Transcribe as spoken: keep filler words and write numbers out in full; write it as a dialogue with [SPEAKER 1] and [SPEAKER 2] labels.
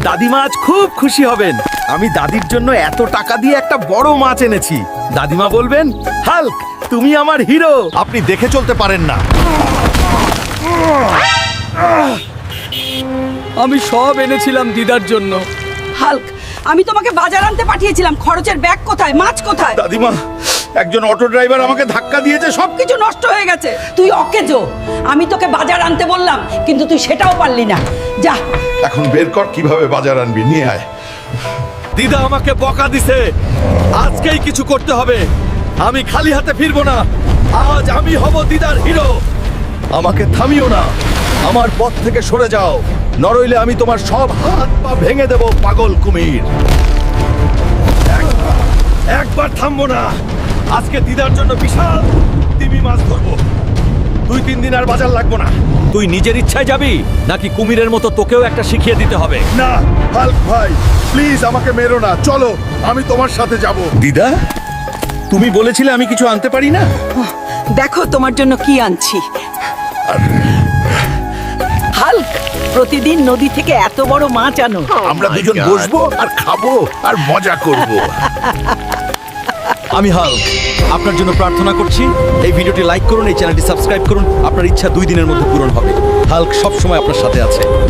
[SPEAKER 1] দাদিমা আজ খুব খুশি হবেন। আমি দাদির জন্য এত টাকা দিয়ে একটা বড় মাছ এনেছি। দাদিমা বলবেন, হাল্ক তুমি আমার হিরো।
[SPEAKER 2] আপনি দেখে চলতে পারেন না।
[SPEAKER 3] আমি সব এনেছিলাম দিদার জন্য।
[SPEAKER 4] হাল্ক, আমি তোমাকে বাজার আনতে পাঠিয়েছিলাম। খরচের ব্যাগ কোথায়? মাছ কোথায়?
[SPEAKER 2] দাদিমা, একজন অটো ড্রাইভার আমাকে ধাক্কা দিয়েছে, সব
[SPEAKER 4] কিছু নষ্ট হয়ে গেছে। তুই অকেজো। আমি তোকে বাজার আনতে বললাম, কিন্তু তুই সেটাও পারলি না। যা,
[SPEAKER 2] এখন বের কর কিভাবে বাজার আনবি, নিয়ে আয়।
[SPEAKER 1] দিদা আমাকে বকা দিছে, আজকেই কিছু করতে হবে। আমি খালি হাতে ফিরবো না। আজ আমি হব দিদার হিরো। আমাকে থামিও না, আমার পথ থেকে সরে যাও, নরইলে আমি তোমার সব হাত পা ভেঙে দেব পাগল কুমির। একবার একবার থামবো না। আজকে দিদার জন্য বিশাল তিমি মাছ ধরবো। দুই তিন দিন আর বাজার লাগবো না। তুই নিজের ইচ্ছায় যাবি নাকি কুমিরের মতো তোকেও একটা শিখিয়ে দিতে হবে?
[SPEAKER 2] না হাল্ক ভাই, প্লিজ আমাকে মেরো না, চলো আমি তোমার সাথে যাব। দিদা, তুমি বলেছিলে আমি কিছু আনতে পারি না।
[SPEAKER 4] দেখো তোমার জন্য কি আনছি। হাল্ক, প্রতিদিন নদী থেকে এত বড় মাছ আনো।
[SPEAKER 2] আমরা দুজন বসবো আর খাবো আর মজা করব।
[SPEAKER 1] আমি হাল্ক আপনার জন্য প্রার্থনা করছি, এই ভিডিওটি লাইক করুন, এই চ্যানেলটি সাবস্ক্রাইব করুন। আপনার ইচ্ছা দুই দিনের মধ্যে পূরণ হবে। হাল্ক সব সময় আপনার সাথে আছে।